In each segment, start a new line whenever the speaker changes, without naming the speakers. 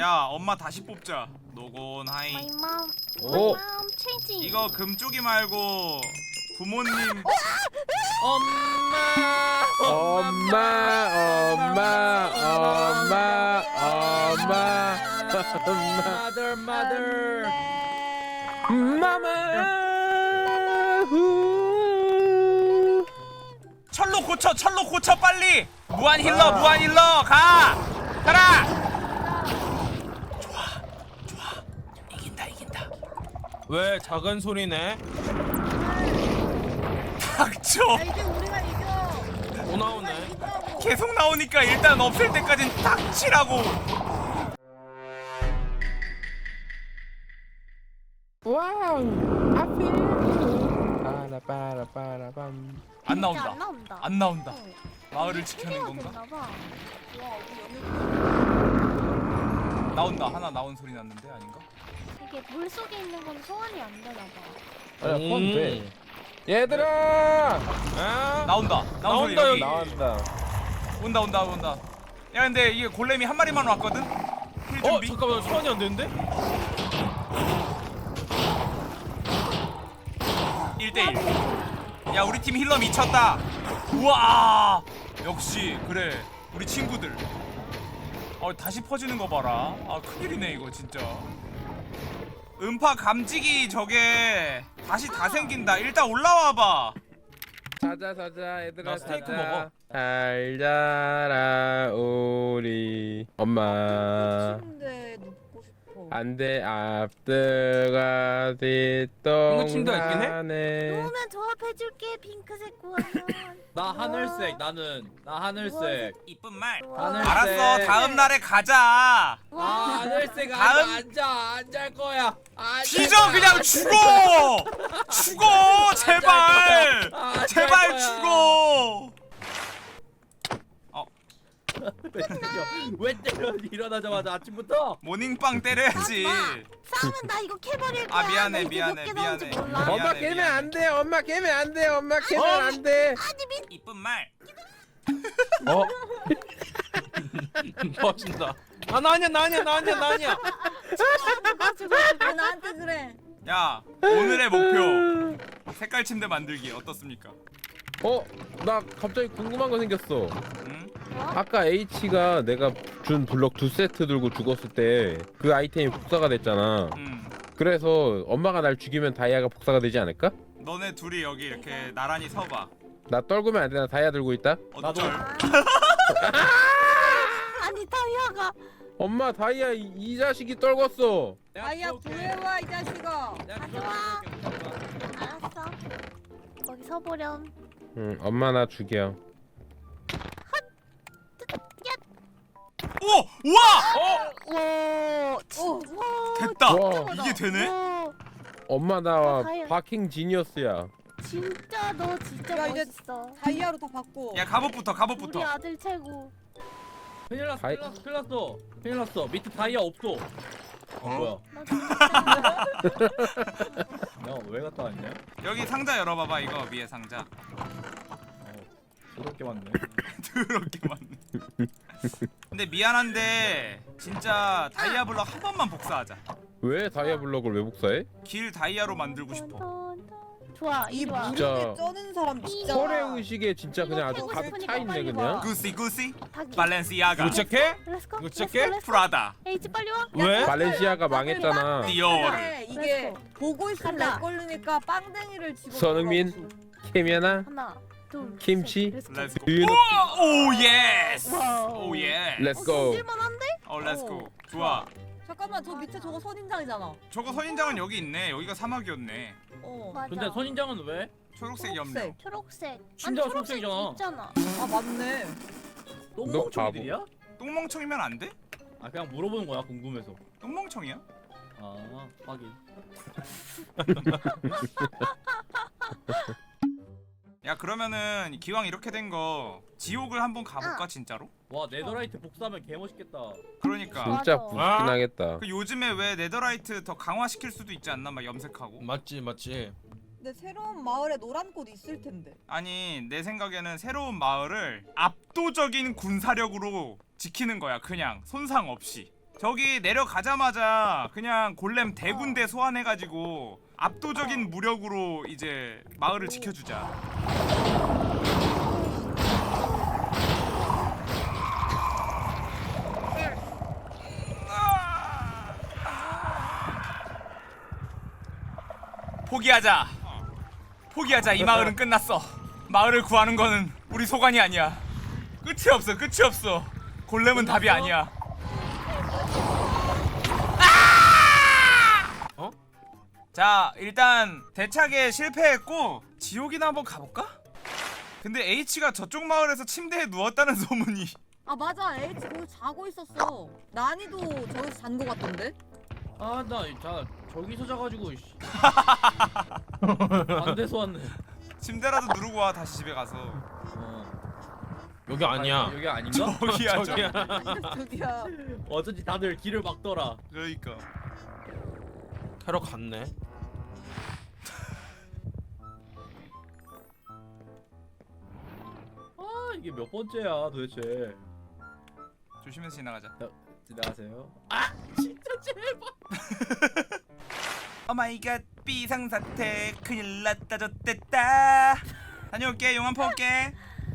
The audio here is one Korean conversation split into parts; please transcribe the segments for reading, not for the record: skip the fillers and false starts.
야 엄마 다시 뽑자. 노곤 하이.
My mom.
오.
My mom changing.
이거 금쪽이 말고 부모님.
엄마. Mother.
철로 고쳐 빨리. 무한 힐러 가라. 좋아 이긴다.
왜 작은 소리네?
닥쳐.
이제 우리가 이겨.
또 나오네.
계속 나오니까 일단 없앨 때까진 닥치라고.
와우. 빠라빠라빠라밤.
안
진짜
나온다.
안 나온다.
안 나온다.
어.
마을을 지켜낸
해야
건가?
되나 봐.
와, 우리 여기
나온다. 하나 나온 소리 났는데 아닌가?
이게 물 속에 있는 건 소환이 안 되나 봐.
아, 폰 돼. 얘들아!
아?
나온다. 나온 소리
나온다,
여기.
나온다.
온다. 야 근데 이게 골렘이 한 마리만 왔거든? 힐 준비.
잠깐만 소환이 안 되는데?
1대1. 야 우리 팀 힐러 미쳤다. 우와. 역시 그래. 우리 친구들. 다시 퍼지는 거 봐라. 큰일이네 이거 진짜. 음파 감지기 저게 다시 다 생긴다. 일단 올라와봐.
자자 얘들아.
나 스테이크
자자.
먹어.
잘 자라 우리 엄마.
침대 눕고 싶어.
안돼 앞뜨가
침대가 있긴 해?
뒷동산에.
오면 조합해줄게 핑크색 구하면.
나 하늘색 나 하늘색
이쁜 말.
하늘색.
알았어. 다음 날에 가자.
하늘색
다음-
안잘 거야
뒤져 그냥 죽어 제발 제발 죽어.
왜 때려 일어나자마자 아침부터
모닝빵 때려야지.
싸우면 나 이거 캐버릴 거야.
미안해,
나 이제
미안해,
몇 개 나온지
미안해.
몰라.
미안해,
엄마 깨면
미안해.
안돼. 엄마 깨면 안돼. 엄마 깨면 안돼.
이쁜 말.
멋진다. 나 아니야.
왜 나한테 그래?
야 오늘의 목표 색깔 침대 만들기 어떻습니까?
나 갑자기 궁금한 거 생겼어.
응?
아까 H가 내가 준 블럭 2세트 들고 죽었을 때 그 아이템이 복사가 됐잖아.
응.
그래서 엄마가 날 죽이면 다이아가 복사가 되지 않을까?
너네 둘이 여기 이렇게 나란히 서봐.
나 떨구면 안 돼. 나 다이아 들고 있다.
어쩔.
아니 다이아가.
엄마 다이아 이 자식이 떨궜어.
아야 구해와 이 자식아.
가져와. 알았어. 거기 서보렴.
응, 엄마 나 죽여.
오! 우와!
와.
됐다.
와.
이게 되네?
와.
엄마 나
다이아.
바킹 지니어스야.
진짜 너 진짜
야, 이제
멋있어.
다이아로 다 바꿔.
야 갑옷부터
우리
갑옷부터.
아들 최고.
큰일 났어
다이-
큰일 났어 밑에 다이아 없어 뭐야
너 진짜.
야왜 갔다 왔냐
여기 상자 열어봐봐. 이거 위에 상자.
더럽게 많네
더럽게 많네. 근데 미안한데 진짜 다이아 블럭 한 번만 복사하자.
왜 다이아 블럭을 왜 복사해?
길 다이아로 만들고 싶어.
좋아.
이
이리 와.
무릎에
진짜.
쩌는 사람 진짜.
설의 의식에 진짜 그냥 아주
이거
가득
해보고
차 있네
싶으니까
그냥.
빨리
구시 구시
닭이.
발렌시아가
이거 시작해?
렛츠고.
이거 시작해?
프라다
H 빨리 와.
왜?
발렌시아가 망했잖아.
디올.
근데 이게
렛츠고.
보고 있으면
간다.
렉 걸리니까 빵댕이를 집어.
손흥민? 케미아나?
하나, 둘,
김치?
셋. 렛츠고.
렛츠고.
Do you
오 예스.
와우.
오 예.
Let's go.
쓸만한데?
렛츠고. 좋아.
잠깐만 저 밑에 저거 선인장이잖아.
저거 선인장은 여기 있네. 여기가 사막이었네.
어.
근데 선인장은 왜?
초록색 염료.
초록색.
초록색.
진짜
아니,
초록색이잖아.
있잖아.
아 맞네.
똥멍청이들이야?
똥멍청이면 안 돼?
아 그냥 물어보는 거야 궁금해서
똥멍청이야?
아 하긴
야 그러면은 기왕 이렇게 된 거 지옥을 한번 가볼까 진짜로?
와 네더라이트 복사하면 개멋있겠다
그러니까
진짜
맞아.
부럽긴 하겠다.
그 요즘에 왜 네더라이트 더 강화시킬 수도 있지 않나? 막 염색하고.
맞지.
근데 새로운 마을에 노란 꽃 있을 텐데.
아니 내 생각에는 새로운 마을을 압도적인 군사력으로 지키는 거야. 그냥 손상 없이. 저기 내려가자마자 그냥 골렘 대군대 소환해가지고 압도적인 무력으로 이제 마을을 지켜주자. 포기하자. 포기하자. 이 마을은 끝났어. 마을을 구하는 거는 우리 소관이 아니야. 끝이 없어. 끝이 없어. 골렘은 답이 아니야.
어?
자, 일단 대차게 실패했고 지옥이나 한번 가볼까? 근데 H가 저쪽 마을에서 침대에 누웠다는 소문이.
아 맞아 H 거기 자고 있었어. 난이도 저기서 잔 거 같던데?
아, 나 저기서 자가지고 씨. 반대서 왔네.
침대라도 누르고 와. 다시 집에 가서.
여기 아니야.
여기 아닌가?
저기야.
저기야.
저기야.
어쩐지 다들 길을 막더라.
그러니까.
캐러 갔네.
아, 이게 몇 번째야 도대체.
조심해서 지나가자.
지나가세요. 아, 진짜 제발.
오마이갓 비상사태 큰일 났다 졌댔다. 다녀올게. 용암 퍼올게.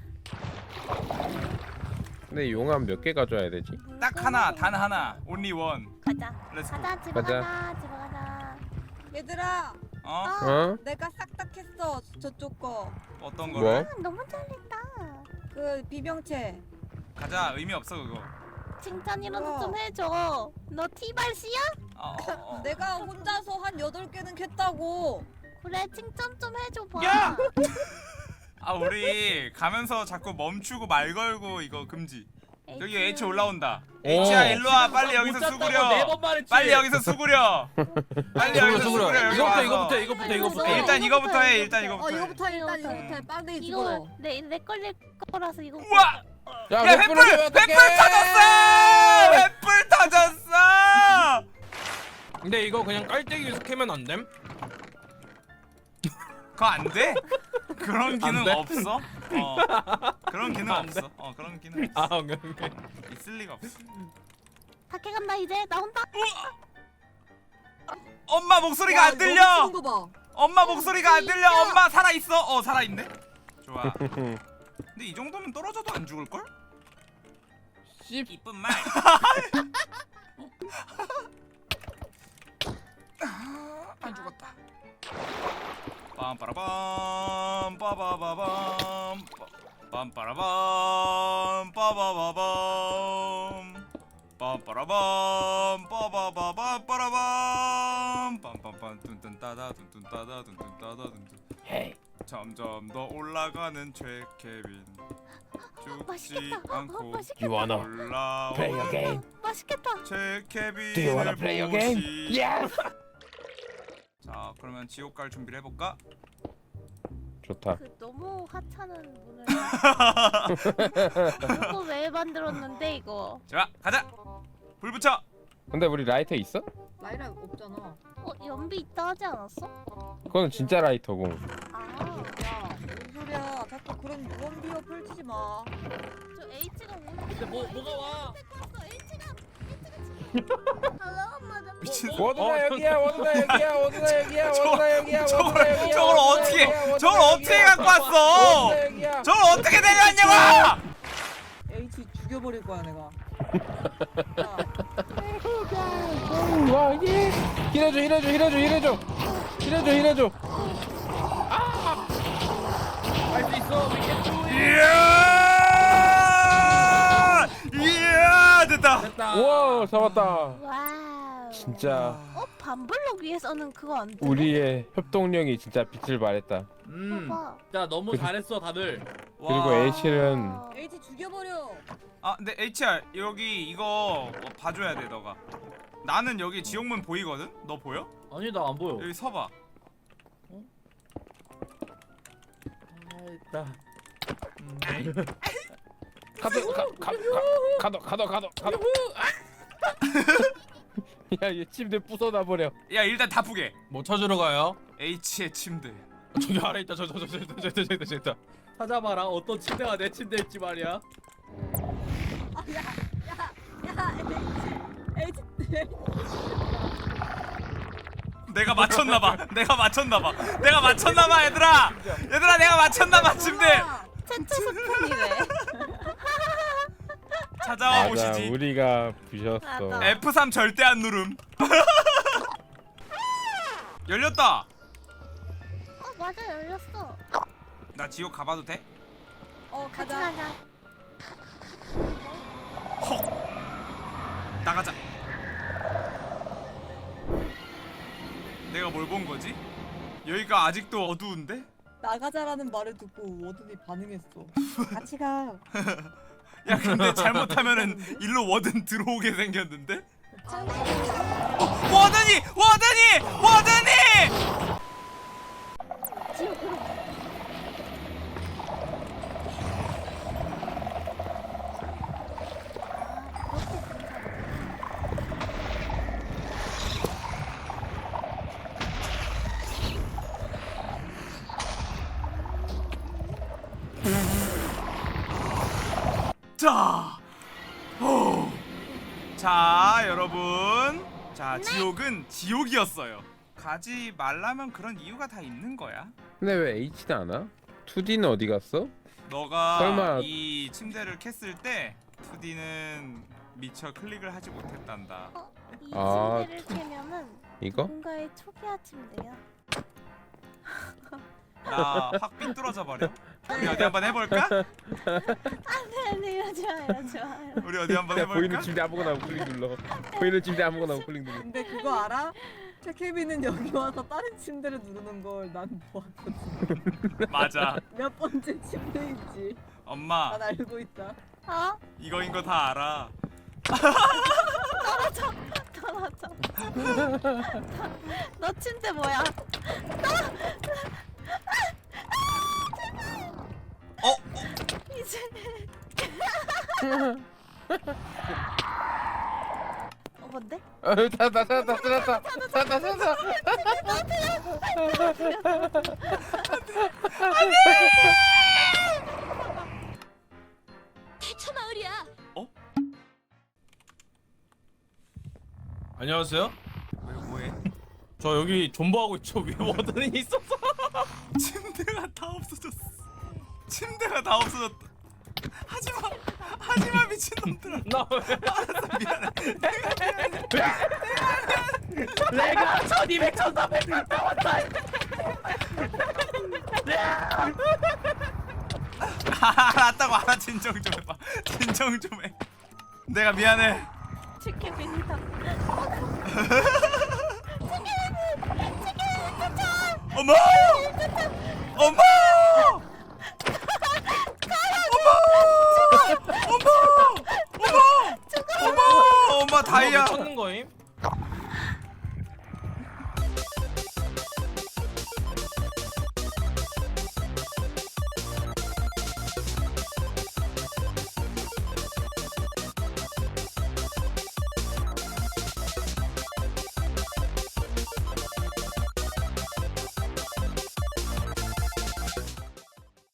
근데 용암 몇 개 가져야 되지?
딱 하나. 단 하나. only one.
가자.
렛츠고.
가자 집에
가자.
가자. 집에 가자.
얘들아
어?
어?
내가 싹 다 했어 저쪽 거.
어떤
뭐?
거를?
너무 잘했다.
그 비명체.
가자. 의미 없어 그거.
칭찬이라도 좀 해줘. 너 티발씨야?
내가 혼자서 한 8개는 캤다고.
그래 칭찬 좀 해줘 봐.
야! 아 우리 가면서 자꾸 멈추고 말 걸고 이거 금지. 여기 H 올라온다. H야 일로와. 빨리 여기서 수구려.
4번 말했지.
빨리 여기서 수구려. 빨리 여기서 수구려. 여기 와서.
이거부터.
일단 이거부터 해. 일단 이거부터. 해.
이거부터 해. 빵댕이
이거
집어.
내 걸릴 거라서 이거.
우와!
야,
야 횃불! 횃불 터졌어! 횃불 터졌어!
근데 이거 그냥 깔때기에서 캐면 안 됨?
그거 안 돼? 그런 기능
돼?
없어? 그런 기능
안
없어. 그런 기능 없어.
오케이.
있을 리가 없어.
밖에 간다 이제 나 혼자.
엄마 목소리가
와,
안 들려.
너무 큰 거 봐.
엄마 목소리가 안 들려. 엄마 살아 있어. 살아 있네. 좋아. 근데 이 정도면 떨어져도 안 죽을 걸?
씹.
이쁜 말. 안 죽었다. 빰빠라밤 빠바바밤 빰빠라밤 빠바바밤 빰빠라밤 빠바바밤 빠라밤 빰빰빰 뚠뚠따다 뚠뚠따다 뚠뚠따다 뚠뚠. 점점 더 올라가는 최케빈 죽지
맛있겠다.
않고
맛있겠다.
You wanna
올라오는
맛있겠다.
최케빈을 보시. 자 그러면 지옥 갈 준비를 해볼까?
좋다.
그 너무 하찮은 문을. 이거 왜 만들었는데 이거?
자 가자. 불 붙여.
근데 우리 라이터 있어?
라이라 없잖아.
연비 있다 하지 않았어?
그건 진짜 라이터고.
아,
야, 무슨 소리야? 자꾸 그런 무언비어 펼치지 마.
저 H가 오는.
근데 뭐가 와?
H가 엄마 나
미친.
워드나 여기야. 워드나 여기야. 워드나 여기야. 워드나 여기야. 워드나 여기야.
저걸 어떻게 저걸 어떻게 갖고 왔어?
워드나 여기야.
저걸 어떻게 내려왔냐고?
H 죽여버릴 거야 내가.
와 이게 힐해줘.
할 수 있어.
이야 됐다.
됐다.
우와 잡았다.
와우.
진짜
반블럭 위에서는 그거 안 돼.
우리의 협동력이 진짜 빛을 발했다.
봐봐.
자, 너무 잘했어 다들.
그리고 H는
H 죽여버려.
아 근데 HR 여기 이거 봐줘야 돼 너가. 나는 여기 지옥문 보이거든? 너 보여?
아니 나 안 보여.
여기 서봐.
됐다.
가도. 야, 얘 침대 부숴놔 버려.
야 일단 다 푸게.
뭐 찾으러 가요?
H의 침대.
저기 아래 있다. 저기 있다.
찾아봐라. 어떤 침대가 내 침대일지 말이야.
야 H.
내가 맞췄나봐. 내가 맞췄나봐. 내가 맞췄나봐 얘들아. 얘들아 내가 맞췄나봐 침대.
채트 스푼이 왜?
찾아와
맞아,
보시지.
우리가 부셨어.
맞아.
F3 절대 안 누름. 열렸다.
맞아 열렸어.
나 지옥 가봐도 돼?
같이
가자.
가자.
헉. 나가자. 내가 뭘 본 거지? 여기가 아직도 어두운데?
나가자라는 말을 듣고 워든이 반응했어. 같이 가.
야 근데 잘못하면은 일로 워든 들어오게 생겼는데? 워든이! 워든이! 워든이!
지옥으로.
자, 호. 자 여러분, 자 지옥은 지옥이었어요. 가지 말라면 그런 이유가 다 있는 거야.
근데 왜 H는 안 와? 2D는 어디 갔어?
너가
설마-
이 침대를 캤을 때 2D는 미처 클릭을 하지 못했단다.
이
아,
침대를 캐면은
이거?
뭔가의 초기화 침대야.
나 확 삐뚤어져 버려. 우리 어디 한번 해볼까?
안돼 이러지 마 이러지 마.
우리 어디 한번
그냥 보이는
해볼까?
침대 아무거나 우클릭 눌러. 보이는 침대 아무거나 우클릭 눌러.
근데 그거 알아? 태케비는 여기 와서 다른 침대를 누르는 걸 난 보았거든.
맞아.
몇 번째 침대인지
엄마
난 알고 있다.
어?
이거인 거 다 알아.
떨어져. 너 침대 뭐야?
어?
이제 뭔데?
찾았다.
대처 마을이야.
안녕하세요.
왜 뭐해?
저 여기 존버하고 있죠. 위에 워든이 있어서.
침대가 다 없어졌어. 침대가 다 없어졌다. 하지마, 하지마 미친놈들아.
나 왜?
알았어 미안해.
내가 1200, 1300 갔다 왔다.
알았다고 알아. 진정 좀 해봐. 진정 좀 해. 내가 미안해.
치킨입니다.
어머! 어머! 어머! 어머! 어머! 엄마 다이아.
찾는 거임?